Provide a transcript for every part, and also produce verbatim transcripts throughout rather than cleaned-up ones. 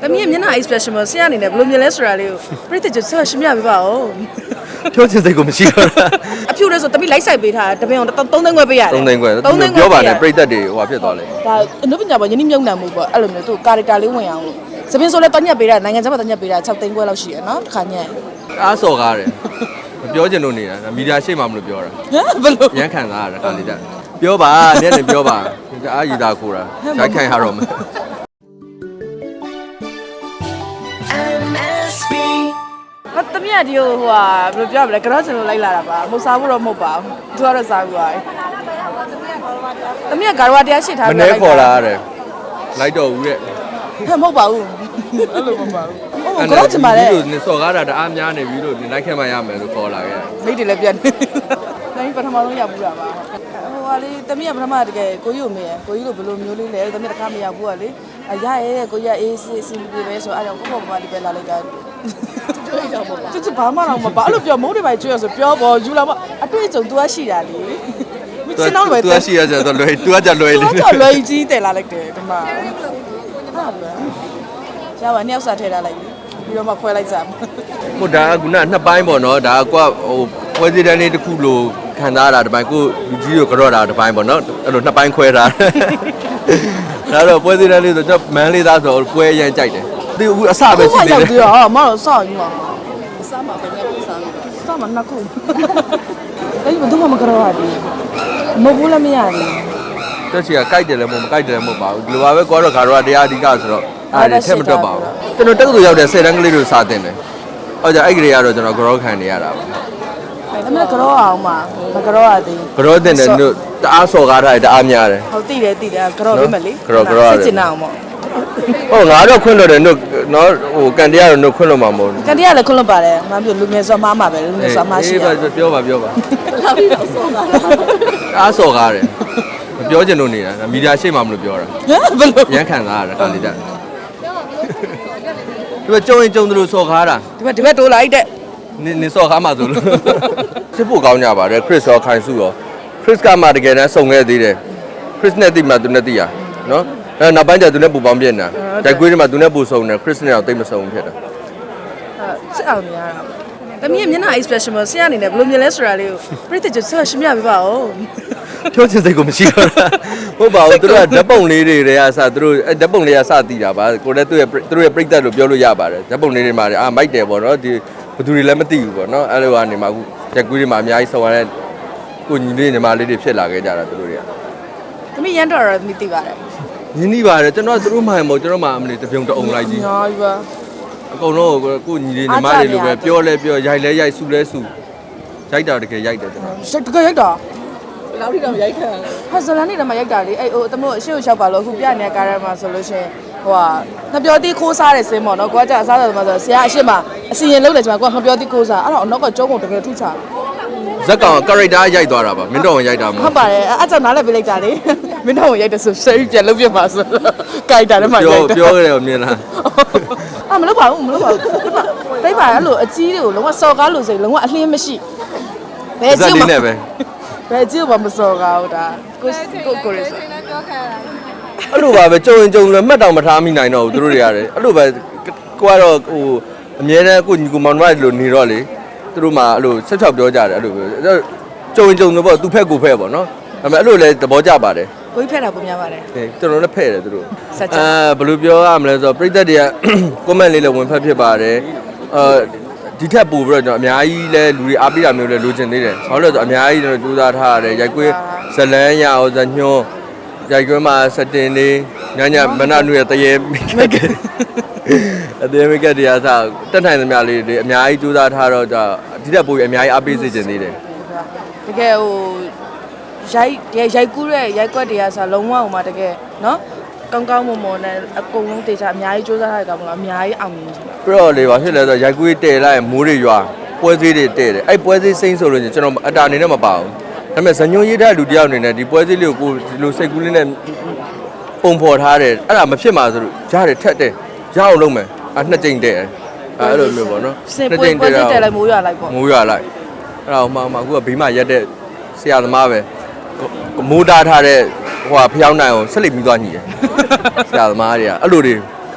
တမီးမျက်နှာ expression မဆရာအနေနဲ့ဘယ်လိုမြင်လဲဆိုတာလေးကိုပြည့်တဲ့ကျဆက်ရှင်းပြပေးပါဦးပြောချင်စိတ်ကိုမရှိတော့အဖြူလဲဆိုတမီးလိုက်ဆိုင်ပေးထားတပင်းအောင်သုံးသိန်းခွဲပေးရတယ်သုံးသိန်းခွဲသုံးသိန်းပြောပါနဲ့ပြည့်သက်တွေဟိုဖြစ်သွားလဲဒါအနုပညာပေါ်ယဉ်မြုံနှံမှုပေါ့အဲ့လိုမျိုးသူကာရက်တာလေးဝင်အောင်လို့စပင်းဆိုလဲတညက်ပေးတာနိုင်ငံခြားမှာတညက်ပေးတာ၆သိန်းခွဲလောက်ရှိရနော်တစ်ခါညက်အားစော်ကားတယ်မပြောချင်လို့နေတာမီဒီယာရှိမှမလို့ပြောတာဘယ်လိုရမ်းခံစားရတာကာလီတက်ပြောပါနဲ့နဲ့ပြောပါအားရည်တာခိုးတာရိုက်ခိုင်ရတော့မယ်မတမီးကဒီဟိုဟာဘယ်လိုပြောမလဲကတော့ကျွန်တော်လိုက်လာတာပါမဟုတ်စားဖို့တော့မဟုတ်ပါဘူးသူကတော့စားဘူးပါတမီးကဂါရဝတရားရှိထားပြီးမနေ့ခေါ်လာရတယ်လိုက်တော့ဦးရဲ့ဟဲ့မဟုတ်ပါဘူးအဲ့လိုမပါဘူးကတော့ကျွန်မလည်းဒီစော်ကားတာတအားများနေပြီလို့ဒီလိုက်ခဲ့မှရမယ်လို့ခေါ်လာခဲ့မိတ်တွေလည်းပြန်နေတိုင်းပထမဆုံးရောက်ဘူးတာပါဟိုဟာလေတမီးကပထမတကယ်ကိုကြီးကိုမေးရကိုကြီးလိုဘယ်လိုမျိုးလေးလဲတမီးတခါမရောက်ဘူးကလေအရရဲကိုကြီးကအေးစစ်စစ်ပြေပဲဆိုအဲ့တော့ကိုပေါ့ပါဒီပဲလာလိုက်တာကျကျဘာမှတော့မပါအဲ့လိုပြောမိုးတွေပဲကျွေးရဆိုပြောပေါ်ယူလာမအတွေ့အကြုံ तू ကရှိတာလေမင်းစနောက်လွယ် तू ကရှိရကြတော့လွယ် तू ကကြလွယ်လေ तू ကလွယ်ကြီးတယ်လာလိုက်တယ်ဒီမှာဟာလွယ်ရပါနှစ်ယောက်စားထဲထားလိုက်ပြီးတော့မှခွဲလိုက်စားဟိုဒါကခုနနှစ်ပိုင်းပေါ့နော်ဒါကွာဟိုပွဲစည်းတန်းလေးတစ်ခုလို့ခံစားရတာဒီပိုင်းကိုလူကြီးကိုကြော့တာဒီပိုင်းပေါ့နော်အဲ့လိုနှစ်ပိုင်းခွဲထားဒါတော့ပွဲစည်းတန်းလေးဆိုတော့မန်းလေးသားဆိုပွဲရမ်းကြိုက်တယ်ဒီအခုအစပဲရှိသေးတယ်ဟာမတော့စောက်ယူမှာအစမှာပဲနဲ့စားလို့စောက်မှာနှစ်ခုအဲ့ဒီဘယ်သူမှမကြောက်ရဘူးမဟုတ်ဘူးလည်းမရဘူးတက်ချီကကြိုက်တယ်လည်းမဟုတ်မကြိုက်တယ်လည်းမဟုတ်ပါဘူးဒီလိုပါပဲကိုကတော့ခါတော့တရားအဓိကဆိုတော့အဲ့ဒါထက်မတွက်ပါဘူးကျွန်တော်တက္ကသိုလ်ရောက်တဲ့ဆယ်တန်းကလေးတွေစာတင်တယ်ဟုတ်ကြအဲ့ဒီကလေးကတော့ကျွန်တော်ကြောခံနေရတာပါအဲ့ဒါလည်းကြောအောင်မှာမကြောရသေးဘူးကြောတင်တယ်တို့တအားစော်ကားထားတယ်တအားများတယ်ဟုတ်သိတယ်သိတယ်ကြောပေးမယ်လေကြောကြောစစ်ချင်အောင်ပေါ့ဟုတ်ငါတော့ခွင့်လို့တယ်တို့နော်ဟိုကန်တရားတော့တို့ခွင့်လို့မှာမဟုတ်ဘူးကန်တရားလည်းခွင့်လို့ပါတယ်မပြောလူငယ်စောမှားမှာပဲလူငယ်စောမှားရှိတယ်ပြောပါပြောပါလာပြီးတော့စောတာအားစော်ကားတယ်မပြောချင်လို့နေတာမီဒီယာရှိမှမလို့ပြောတာဘယ်လိုရမ်းခံစားရတာကာလီတက်ဒီမှာကြုံရင်ကြုံတယ်လို့စော်ကားတာဒီမှာဒီဘက်တိုးလိုက်တဲ့နင်းနင်းစော်ကားမှဆိုလို့စစ်ဖို့ကောင်းကြပါတယ်ခရစ်ရောခိုင်စုရောခရစ်ကမှတကယ်တမ်းစုံခဲ့သေးတယ်ခရစ်နဲ့တိမှသူနဲ့တိရနော်အဲ့နောက်ပိုင်းကျသူနဲ့ပူပေါင်းပြနေတာဂျိုက်ကွေးတွေမှာသူနဲ့ပူစုံတယ်ခရစ်နဲ့တော့တိတ်မစုံဖြစ်တာအဲစစ်အောင်များတာတမီးမျက်နှာ expression မဆရာအနေနဲ့ဘယ်လိုမြင်လဲဆိုတာလေးကိုပြည့်တဲ့ကျဆက်ရှင်းပြပေးပါဦးပြောချင်စိတ်ကိုမရှိတော့ဟုတ်ပါဘူးသူတို့ကဓာတ်ပုံလေးတွေတွေကစသူတို့အဲဓာတ်ပုံလေးကစတည်တာပါကိုလည်းသူ့ရဲ့သူတို့ရဲ့ပြိတ္တလို့ပြောလို့ရပါတယ်ဓာတ်ပုံလေးတွေမှာအာမိုက်တယ်ပေါ့နော်ဒီဘသူတွေလည်းမသိဘူးပေါ့နော်အဲ့လိုကနေမှအခုဂျက်ကွေးတွေမှာအများကြီးဆော်ရတဲ့ကိုညီလေးညီမလေးတွေဖြစ်လာခဲ့ကြတာသူတို့တွေကတမီးရန်တော်ရမသိပါတယ်ရင်းနှီးပါတယ်ကျွန်တော်သူတို့မှမဟုတ်ကျွန်တော်မှအမလေးတပြုံတအုံလိုက်ကြီးညာပြီပါအကုန်လုံးကိုညီလေးညီမလေးလိုပဲပြောလဲပြောရိုက်လဲရိုက်ဆူလဲဆူရိုက်တာတကယ်ရိုက်တယ်ကျွန်တော်တကယ်ရိုက်တာလောက်ထိတော့ရိုက်ခံတယ်ဟာဇလန်နေတော့မရိုက်တာလေအဲ့ဟိုတမို့အရှိကိုလျှောက်ပါလို့အခုပြနေတဲ့ကားထဲမှာဆိုလို့ရှိရင်ဟိုဟာငပြောတိခိုးစားတဲ့စင်းပေါ့နော်ကိုကကြာအစားတယ်မှာဆိုဆရာအရှိမအစီရင်လုံးတယ်ကျွန်မကိုကငပြောတိခိုးစားအဲ့တော့အနောက်ကကျုံးကုန်တကယ်ထုချဇက်ကောင် character ရိုက်သွားတာပါမင်းတော်ဝင်ရိုက်တာမဟုတ်ပါတယ်အဲ့ကြောင့်နားလည်းပေးလိုက်တာလေမင်းတော်ဝင်ရိုက်တယ်ဆိုရှယ်ပြန်လုပ်ပြပါဆို character ထဲမှာရိုက်တာပြောပြောကြတယ်မြင်လားအာမလုပ်ပါဘူးမလုပ်ပါဘူးတိတ်ပါအဲ့လိုအကြီးတွေကိုလုံးဝစော်ကားလို့ဆိုရင်လုံးဝအလင်းမရှိဘယ်ကြီးမှပဲဘယ်ကြည့်ဘာမစော်ကားတာကိုကိုကိုရဆိုအဲ့လိုပါပဲကြုံရင်ကြုံလည်းမှတ်တောင်မထားမိနိုင်တော့ဘူးသူတို့တွေရတယ်အဲ့လိုပဲကိုကတော့ဟိုအမြဲတမ်းကိုညီကိုမောင်နှမတွေလိုနေတော့လေသူတို့မှအဲ့လိုဆက်ချက်ပြောကြတယ်အဲ့လိုပဲကြုံရင်ကြုံလို့ပေါ့သူဖက်ကိုဖက်ပေါ့နော်ဒါပေမဲ့အဲ့လိုလဲသဘောကျပါတယ်ကိုကြီးဖက်တာပုံများပါတယ်ဟေးကျွန်တော်လည်းဖက်တယ်သူတို့အဲဘယ်လိုပြောရမလဲဆိုတော့ပရိသတ်တွေက comment လေးလည်းဝင်ဖက်ဖြစ်ပါတယ်အာဒီထက်ပိုပြီးတော့ကျွန်တော်အများကြီးလဲလူတွေအားပေးတာမျိုးလဲလိုချင်သေးတယ်။ဘာလို့လဲဆိုတော့အများကြီးကျွန်တော်ကြိုးစားထားရတယ်။ရိုက်ကွေးဇလန်းရအောင်ဇညွန်းရိုက်ကွေးမှာစတင်နေညညမနနွေတရေမိကက်အသေးမိကက်တရားစားတက်နိုင်သမျှလေးတွေအများကြီးကြိုးစားထားတော့ဒီထက်ပိုပြီးအများကြီးအားပေးစေချင်သေးတယ်။တကယ်ဟိုရိုက်ရိုက်ကူးတဲ့ရိုက်ကွက်တရားစားလုံးဝဟိုမှာတကယ်နော်ကောင်းကောင်းမွန်မွန်နဲ့အကုန်လုံးတေချာအများကြီးစူးစမ်းထားတဲ့ကောင်မလားအများကြီးအောင်မြင်ချင်တာပြတော့လေပါဖြစ်လဲဆိုရိုက်ကွေးတဲလိုက်မိုးတွေရွာပွဲစည်းတွေတဲတယ်အဲ့ပွဲစည်းစိမ့်ဆိုလို့ကျွန်တော်အတာအနေနဲ့မပါဘူးဒါပေမဲ့ဇညွန်ရေးတဲ့လူတယောက်အနေနဲ့ဒီပွဲစည်းလေးကိုဒီလိုစိတ်ကူးလေးနဲ့ပုံဖော်ထားတယ်အဲ့ဒါမဖြစ်မှာဆိုလို့ကြားတယ်ထက်တယ်ရအောင်လုပ်မယ်အဲ့နှစ်ကြိမ်တဲအဲ့လိုမျိုးပေါ့နော်နှစ်ကြိမ်တဲတဲလိုက်မိုးရွာလိုက်ပေါ့မိုးရွာလိုက်အဲ့ဒါမှမှအခုကဘေးမှာရက်တဲ့ဆရာသမားပဲမိုးတားထားတဲ့ဟိုဖျောင်းနိုင်အောင်ဆက်လက်ပြီးသွားညီတယ်ဆရာသမားတွေကအဲ့လိုတွေ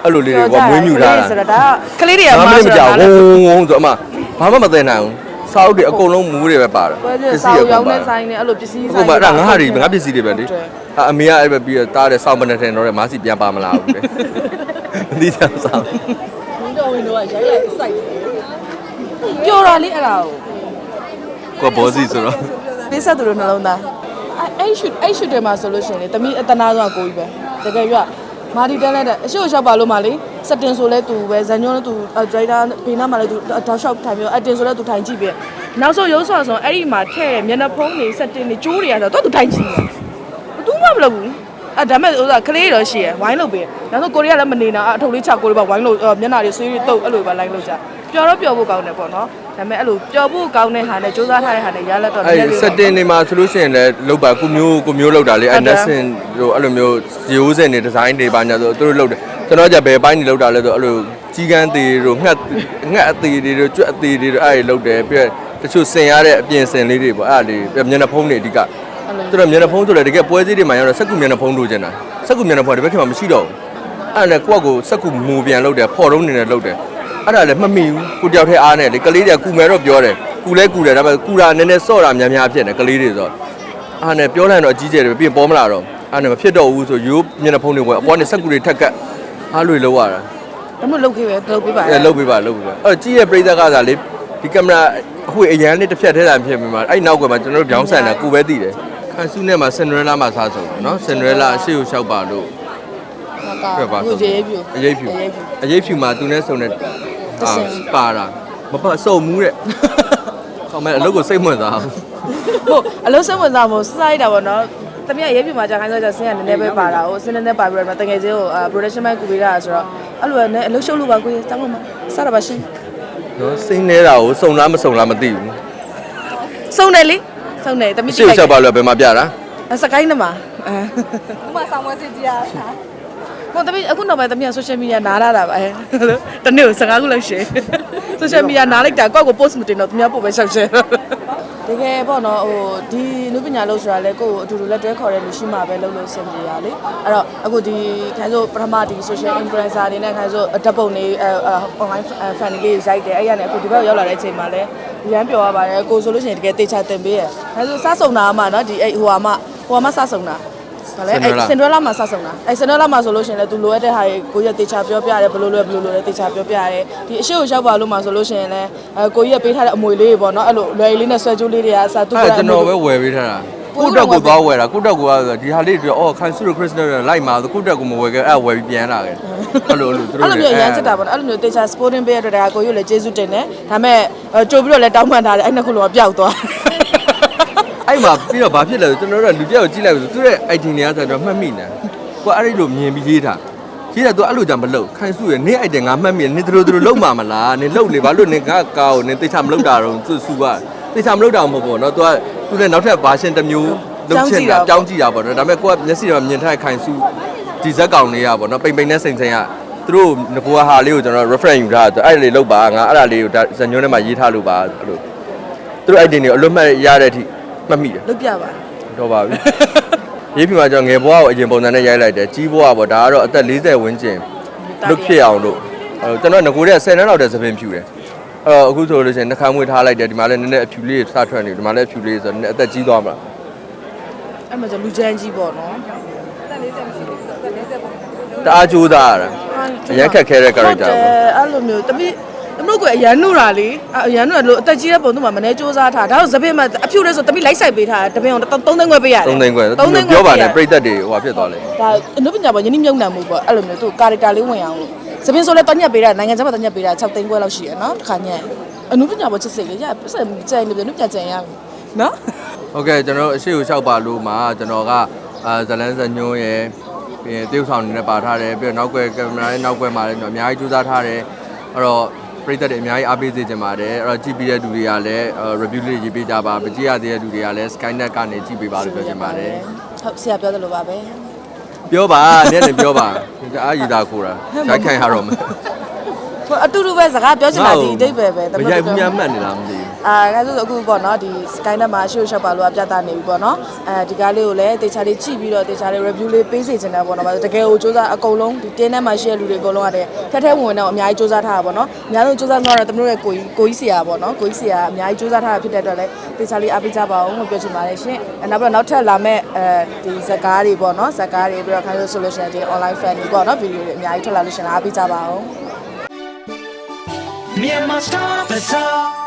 အဲ့လိုလေးတွေကမွေးမြူထားတာဆိုတော့ဒါကလေးတွေကမမှားမဆိုကြောတော့က်ဝုန်းဝုန်းဆိုအမဘာမှမသိနိုင်ဘူးစာအုပ်တွေအကုန်လုံးမူးတွေပဲပါတယ်ပွဲကျစာရောင်းတဲ့ဆိုင်နဲ့အဲ့လိုပစ္စည်းအခုဆိုင်မှအဲ့ဒါငါဟာတွေငါပစ္စည်းတွေပဲလေအမေကအဲ့ပဲပြီးတော့တားတဲ့စောင်းပနဲ့ထင်တော့တဲ့မားစီပြန်ပါမလားဘူးလေမသိချင်စားဝင်းတော်ဝင်းတော်ကရိုက်လိုက်စိုက်ပျော်တာလေးအဲ့ဒါကိုကိုဘောစီဆိုတော့ပေးဆက်သူတို့နှလုံးသားအဲ့ရှူအဲ့ရှူတယ်မှာဆိုလို့ရှိရင်လေတမီးအတနာဆုံးကိုကြီးပဲတကယ်ပြမာဒီတန်းလိုက်တဲ့အရှိကိုလျှောက်ပါလို့မှလေစက်တင်ဆိုလဲသူပဲဇန်ညွန်းလဲသူဒရိုက်တာဘေးနားမှာလဲသူတောက်လျှောက်ထိုင်ပြီးအတင်ဆိုလဲသူထိုင်ကြည့်ပြီးနောက်ဆုံးရုပ်ဆော်ဆိုအဲ့ဒီမှာထည့်မျက်နှာဖုံးတွေစက်တင်တွေကျိုးတွေရဆိုတော့သူထိုင်ကြည့်တယ်သူမှမလုပ်ဘူးအဲ့ဒါမဲ့ဥစားကလေးတော့ရှိရဝိုင်းလုပ်ပေးနောက်ဆုံးကိုရီးယားလည်းမနေတော့အထုပ်လေးချကိုရီးပါဝိုင်းလို့မျက်နှာတွေဆွေးတွေတုပ်အဲ့လိုပဲလိုက်လို့ကြပျော်တော့ပျော်ဖို့ကောင်းတယ်ပေါ့နော်ဒါပေမဲ့အဲ့လိုပျော်ဖို့ကောင်းတဲ့ဟာနဲ့စူးစမ်းထားတဲ့ဟာနဲ့ရလက်တော့အဲ့စက်တင်နေမှာဆိုလို့ရှိရင်လည်းလောက်ပါကိုမျိုးကိုမျိုးလောက်တာလေအဲ့နက်စင်ဟိုအဲ့လိုမျိုးရိုးစင်နေဒီဇိုင်းတွေပါညာဆိုသူတို့လောက်တယ်ကျွန်တော်ကြဘယ်ပိုင်းနေလောက်တာလဲဆိုအဲ့လိုကြီးကန်းသေးတို့ငှက်ငှက်အသေးတွေတို့ကြွက်အသေးတွေတို့အဲ့ဒီလောက်တယ်ပြီးတော့တချို့ဆင်ရတဲ့အပြင်ဆင်လေးတွေပေါ့အဲ့ဒါလေးမျက်နှာဖုံးတွေအဓိကသူတို့မျက်နှာဖုံးဆိုလည်းတကယ်ပွဲစည်းတွေမှာရောက်တော့စက်ကူမျက်နှာဖုံးလိုချင်တာစက်ကူမျက်နှာဖုံးဒီဘက်ခင်မှာမရှိတော့ဘူးအဲ့ဒါနဲ့ကိုယ့်ကိုစက်ကူမူပြန်လောက်တယ်ဖော်တုံးနေတယ်လောက်တယ်အဲ့ဒါလည်းမမိဘူးကိုတယောက်ထဲအားနဲ့လေကလေးတွေကကူမယ်တော့ပြောတယ်ကူလဲကူတယ်ဒါပေမဲ့ကူတာနည်းနည်းစော့တာများများဖြစ်နေကလေးတွေဆိုအားနဲ့ပြောလိုက်တော့အကြီးကျယ်တယ်ပြီးပေါ်မလာတော့အားနဲ့မဖြစ်တော့ဘူးဆိုရိုးမျက်နှာဖုံးတွေဝင်အပေါ်နဲ့စက်ကူတွေထက်ကတ်အားလွေလောက်ရတာဒါမှမဟုတ်လုပ်ခဲ့ပဲလုပ်ပေးပါအဲလုပ်ပေးပါလုပ်ပေးပါအဲ့ကြီးရဲ့ပြိသက်ကစားလေဒီကင်မရာအခုအရန်လေးတစ်ဖြတ်ထဲတာဖြစ်ပြီးမှအဲ့နောက်ကွယ်မှာကျွန်တော်တို့ပြောင်းဆန်တာကိုပဲသိတယ်ခန်းစုနဲ့မှာစင်နရလာမှာစားဆုံးနော်စင်နရလာအရှိကိုလျှောက်ပါလို့ဟုတ်ပါဘူးရေးပြူအရေးဖြူအရေးဖြူမှာသူနဲ့ဆုံတဲ့အာပါတာမပတ်စုံမူးတဲ့ခေါင်းမဲ့အလုပ်ကိုစိတ်ဝင်စားဘူးဟုတ်အလုံးစက်ဝင်စားမို့စားလိုက်တာပေါ့နော်တမီးရေးပြူမှာကြာခိုင်းဆိုကြဆင်းရနည်းနည်းပဲပါတာဟုတ်ဆင်းနည်းနည်းပါပြီးတော့တကယ်ချင်းကို production မိုက်ကူပေးတာဆိုတော့အဲ့လိုနဲ့အလုံးရှုပ်လို့ပါကိုကြီးတောင်းလို့မစားရပါရှင်နော်စိတ်နေတာကိုစုံလားမစုံလားမသိဘူးစုံတယ်လေစုံတယ်တမီးရှေ့ချက်ပါလို့ဘယ်မှာပြတာစကိုင်းနမှာအဲဥမာဆောင်ဝဲစစ်ကြည့်ရတာဟိုတမီးအခုနောက်ပိုင်းတမီး social media နားရတာပါအဲတနေ့ကိုစကားခုလောက်ရှယ် social media နားလိုက်တာကိုယ့်ကို post မတင်တော့တမီးပို့ပဲရှောက်ရှယ်တကယ်ပေါ့နော်ဟိုဒီလူပညာလို့ဆိုတာလေကိုယ့်ကိုအတူတူလက်တွဲခေါ်တဲ့လူရှိမှပဲလုပ်လို့ဆင်ပြေရလေအဲ့တော့အခုဒီခိုင်ဆိုပထမဒီ social influencer တွေနဲ့ခိုင်ဆိုဓာတ်ပုံတွေ online fan တွေရိုက်တယ်အဲ့ရနဲ့အခုဒီဘက်ရောက်လာတဲ့အချိန်မှာလည်းရမ်းပျော်ရပါတယ်ကိုဆိုလို့ရှိရင်တကယ်တေချာတင်ပေးရခိုင်ဆိုစားစုံတာမှနော်ဒီအဲ့ဟိုဟာမှဟိုဟာမှစားစုံတာဗာလဲအဲ့စင်ဒရလာမှာစားစုံတာအဲ့စင်ဒရလာမှာဆိုလို့ရှိရင်လည်းသူလိုရတဲ့ဟာကိုကိုကြီးတေချာပြောပြရတယ်ဘလို့လိုဘလို့လိုလဲတေချာပြောပြရတယ်ဒီအရှိကိုရောက်ပါလို့မှာဆိုလို့ရှိရင်လည်းအဲကိုကြီးကပေးထားတဲ့အမွေလေးတွေပေါ့နော်အဲ့လိုလွယ်လေးနဲ့ဆွဲကြိုးလေးတွေကအစားသူကအဲ့ကျွန်တော်ပဲဝယ်ပေးထားတာကိုတက်ကိုသွားဝယ်တာကိုတက်ကိုကဒီဟာလေးတွေအော်ခိုင်စုရခရစ်စတယ်လိုက်မှာဆိုကိုတက်ကိုမဝယ်ခဲ့အဲ့ဝယ်ပြီးပြန်လာခဲ့အဲ့လိုအဲ့လိုသူတို့အဲ့လိုမျိုးရမ်းချက်တာပေါ့နော်အဲ့လိုမျိုးတေချာ sporting ပေးရတဲ့ဒါကိုကြီးလည်းကျေးဇူးတင်တယ်ဒါပေမဲ့ကြိုပြီးတော့လည်းတောင်းပန်ထားတယ်အဲ့နှစ်ခုလုံးကပျောက်သွားအဲ့မှာပြီးတော့ဘာဖြစ်လဲဆိုကျွန်တော်တို့ကလူတယောက်ကိုကြည့်လိုက်ဆိုသူတဲ့ item တွေကဆိုတော့မှတ်မိနေကိုအဲ့ဒီလိုမြင်ပြီးရေးထားရေးတာသူအဲ့လိုကြမလုပ်ခိုင်စုရနေ item ငါမှတ်မိနေသူတို့သူတို့လုံမှာမလားနေလုံလေဘာလို့နေငါကောက်နေတေချာမလုပ်တာတော့သူစုကတေချာမလုပ်တာမဟုတ်ပေါ့နော်သူကသူနဲ့နောက်ထပ် version တစ်မျိုးလုပ်ချင်တာကြောင်းကြည့်တာပေါ့နော်ဒါပေမဲ့ကိုကမျက်စိတော့မြင်ထားခိုင်စုဒီဇက်ကောင်လေးရပေါ့နော်ပိန်ပိန်နဲ့စိန်စိန်ကသူတို့ငကိုဟာလေးကိုကျွန်တော် reference ယူထားအဲ့လေလောက်ပါငါအဲ့ဒါလေးကိုဇညွန်းထဲမှာရေးထားလို့ပါအဲ့လိုသူတို့ item တွေအလွတ်မှတ်ရတဲ့အထိမှတ်မိတယ်လုတ်ပြပါတော့ပါပြီရေးပြမှာကျွန်တော်ငယ်ဘွားကိုအရင်ပုံစံနဲ့ရိုက်လိုက်တယ်ကြီးဘွားပေါ့ဒါကတော့အသက်၄၀ဝန်းကျင်လုတ်ဖြစ်အောင်လို့အဲကျွန်တော်ငကိုတဲ့ဆယ်နှစ်လောက်တည်းသပင်ဖြူတယ်အဲအခုဆိုလို့ရှိရင်နှခမ်းမွေးထားလိုက်တယ်ဒီမှာလည်းနည်းနည်းအဖြူလေးစထွက်နေဒီမှာလည်းအဖြူလေးဆိုတော့နည်းအသက်ကြီးသွားမှာအဲ့မှာကျလူချမ်းကြီးပေါ့နော်တက်လေးတက်မရှိဘူးတက်လေးတက်ပုံတအားကြိုးစားရတာအရင်ခက်ခဲတဲ့ character ပေါ့အဲ့လိုမျိုးတပိတမလို့ကအရန်နုတာလေအရန်နုတာလို့အသက်ကြီးတဲ့ပုံသူ့မှာမနေစူးစမ်းထားဒါတော့သပင်မှာအဖြူလဲဆိုတပိလိုက်ဆိုင်ပေးထားတပင်အောင်သုံးသိန်းခွဲပေးရတယ်သုံးသိန်းခွဲသူပြောပါနဲ့ပြိသက်တွေဟိုဖြစ်သွားလေဒါအနုပညာပေါ့ယဉ်ညမြုံနှံမှုပေါ့အဲ့လိုမျိုးသူကာရက်တာလေးဝင်အောင်လို့သပင်ဆိုလဲတညက်ပေးတာနိုင်ငံခြားမှာတညက်ပေးတာ၆သိန်းခွဲလောက်ရှိရနော်တစ်ခါညက်အနုပညာပေါ့ချစ်စိတ်လေရပတ်စံကြိုင်လို့အနုပညာကြံရပြီနော်ဟုတ်ကဲ့ကျွန်တော်အရှိကိုလျှောက်ပါလို့မှာကျွန်တော်ကအာဇလန်းဇညွန်းရယ်ပြီးရင်တရုတ်ဆောင်နေနဲ့ပါထားတယ်ပြီးတော့နောက်ွယ်ကင်မရာရဲ့နောက်ွယ်မှာလည်းကျွန်တော်အများကြီးကြိုးစားထားတယ်အဲ့တော့ပရိသတ်တွေအများကြီးအားပေးစေချင်ပါတယ်အဲ့တော့ကြည့်ပြီးတဲ့လူတွေကလည်း review လေးရေးပေးကြပါမကြည့်ရသေးတဲ့လူတွေကလည်း Skynet ကနေကြည့်ပေးပါလို့ပြောချင်ပါတယ်ဟုတ်ဆရာပြောသလိုပါပဲပြောပါနဲ့လည်းပြောပါအားရည်သားခိုးတာရိုက်ခံရတော့မယ်အတူတူပဲစကားပြောချင်တာဒီအတိတ်ပဲပဲမရိုက်ဘူးများမှတ်နေလားမသိဘူးအာအဲဆိုအခုပေါ့နော်ဒီ sky net မှာရှေ့ရှောက်ပါလို့ပြသနေပြီပေါ့နော်အဲဒီကားလေးကိုလည်းတေချာလေးကြည့်ပြီးတော့တေချာလေး review လေးပေးစီချင်တယ်ပေါ့နော်တကယ်ကိုစူးစမ်းအကုန်လုံးဒီတင်းထဲမှာရှိတဲ့လူတွေအကုန်လုံးရတယ်ထက်ထဲဝင်တော့အများကြီးစူးစမ်းထားတာပေါ့နော်အများဆုံးစူးစမ်းသွားတော့တမတို့ရဲ့ကိုကြီးကိုကြီးစီယာပေါ့နော်ကိုကြီးစီယာအများကြီးစူးစမ်းထားတာဖြစ်တဲ့အတွက်လည်းတေချာလေးအားပေးကြပါအောင်လို့ပြောချင်ပါတယ်ရှင်နောက်ပြီးတော့နောက်ထပ်လာမဲ့အဲဒီဇာတ်ကားတွေပေါ့နော်ဇာတ်ကားတွေပြီးတော့ခိုင်းလို့ဆိုလို့ရှိရင်ဒီ online fan တွေပေါ့နော်ဗီဒီယိုတွေအများကြီးထွက်လာလို့ရှိရင်အားပေးကြပါအောင် Myanmar Star Bazaar